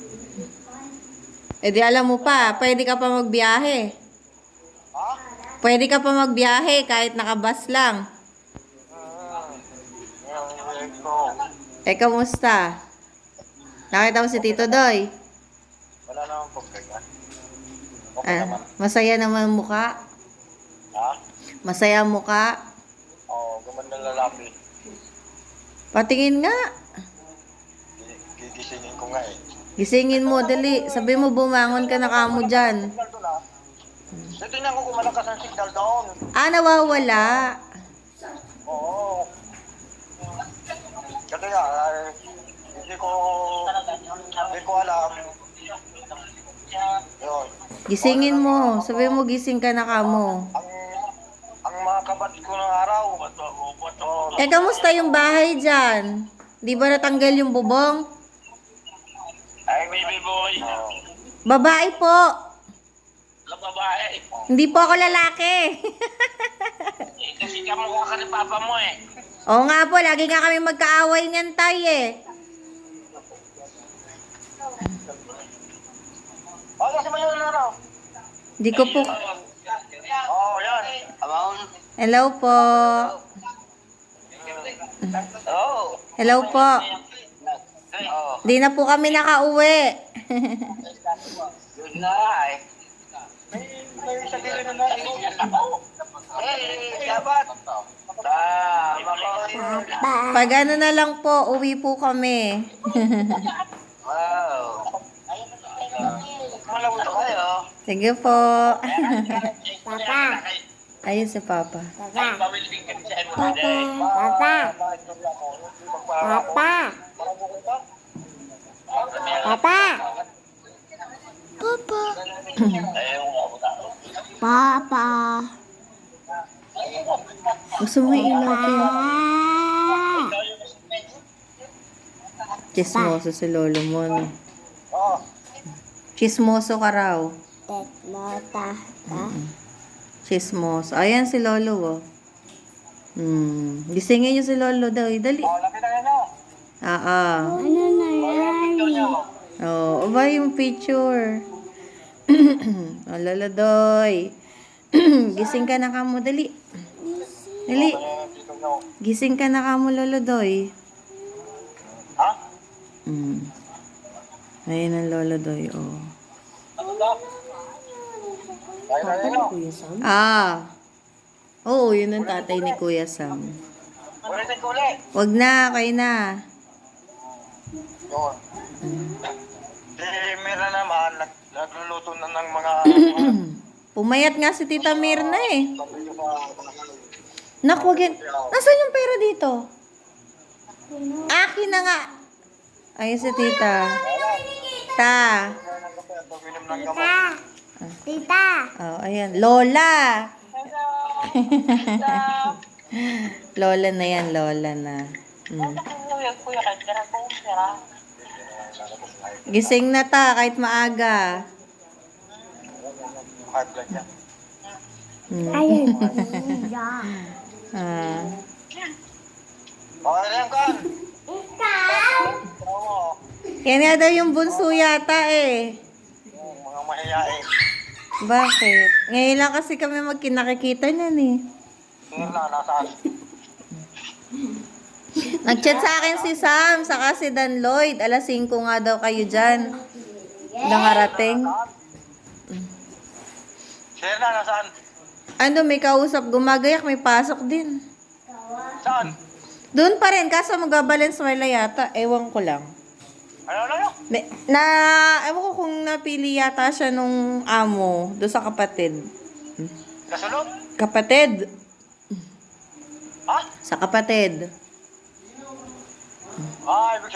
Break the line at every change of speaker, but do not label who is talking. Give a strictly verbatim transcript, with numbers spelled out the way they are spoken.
Eh di alam mo pa, pwede ka pa magbiyahe.
Ha?
Pwede ka pa magbiyahe kahit nakabas lang.
Hmm. Yung ko.
Eh, kamusta? Nakita mo si Tito Doy?
Wala naman problema. Okay
Ah,
naman.
masaya naman ang mukha.
Ha?
Masaya ang mukha.
Oo, gumanda lalaki.
Patingin nga.
Gi- Gigisingin ko nga eh.
Gisingin mo, dali. Sabi mo, bumangon ka na kamo dyan.
Signal doon ah. So, tingnan ko kung malakas ang signal doon.
Ah, nawawala.
Oo. Kasi nga, ay, hindi ko, hindi ko alam. Yun.
Gisingin mo. Sabi mo, gising ka na kamo.
Ang, ang mga kabat ko ng araw. Oo.
Eh, kamusta yung bahay dyan? Di ba natanggal yung bubong?
Ay, baby boy.
Oo.
Babae po.
Babae.
Hindi po ako lalaki.
Eh, kasi kamukha ka ni papa mo eh.
Oo nga po, lagi nga kami magkaaway niyan tay eh.
Oh, kasi mo yun araw.
Hindi ko po.
Oo, yan. Amang.
Hello po.
Oo.
Hello po.
Oo.
Di na po kami nakauwi.
Yun na eh. May, may sa gilid na na. Eh, dapat. Tama ko.
Pag ano na lang po, uwi po kami.
Wow. Malawit kayo.
Sige po.
Papa.
Ayun si Papa.
Papa.
Pawilbing ka siya.
Papa. Papa. Papa. Papa. Papa.
Gusto mo ilagay? Chismoso si lolo mo. No?
Oh.
Chismoso ka raw.
Tetlota.
Chismoso. Ayan si lolo oh. Hmm. Gisingin niyo si lolo daw. eh. Dali.
Oh, lapit na yun oh.
Ah, ah.
Ano na yan?
Oh, aba yung picture. Oh, lolo doy. Gising ka na kamo. Dali. Dali. Gising ka na kamo, lolo doy.
Ha?
Hmm. Ayun ang lolo doy, oh.
Kaya na yun oh.
Ah. Oo, yun ang tatay ni Kuya Sam.
Ulitin ko ulit.
Wag na, kayo na.
Yun. Si Mira naman, nag- nagluluto na ng mga...
Pumayat nga si Tita Mirna eh. Nak, wag yan. Nasaan yung pera dito? Akin na nga. Ayun si Tita. Ta.
Pag-inom ng gamot.
Tita. Tita.
Oh, ayan. Lola. Lola na yan, Lola na. Mm. Gising na ta, kahit maaga.
High blood niya.
Mm.
Ayun.
Ah.
Okay na yan, Kan.
Ikaw.
Oo.
Yan nga daw yung bunso yata eh.
Yung mga mahihain.
Bakit? Ngayon lang kasi kami magkinakikita niyan eh.
Tingnan na, nasaan?
Nag-chat sa akin si Sam, saka si Dan Lloyd. alas singko nga daw kayo dyan. Nakarating.
Share na, nasaan?
Ano, may kausap, gumagayak, may pasok din.
Saan?
Doon pa rin, kaso mag-Valenzuela yata. Ewan ko lang.
Ano, ano, ano?
Na, na, ewan ko kung napili yata siya nung amo, doon sa kapatid.
Kasunod?
Kapatid.
Ha?
Sa kapatid.
Ah, ibig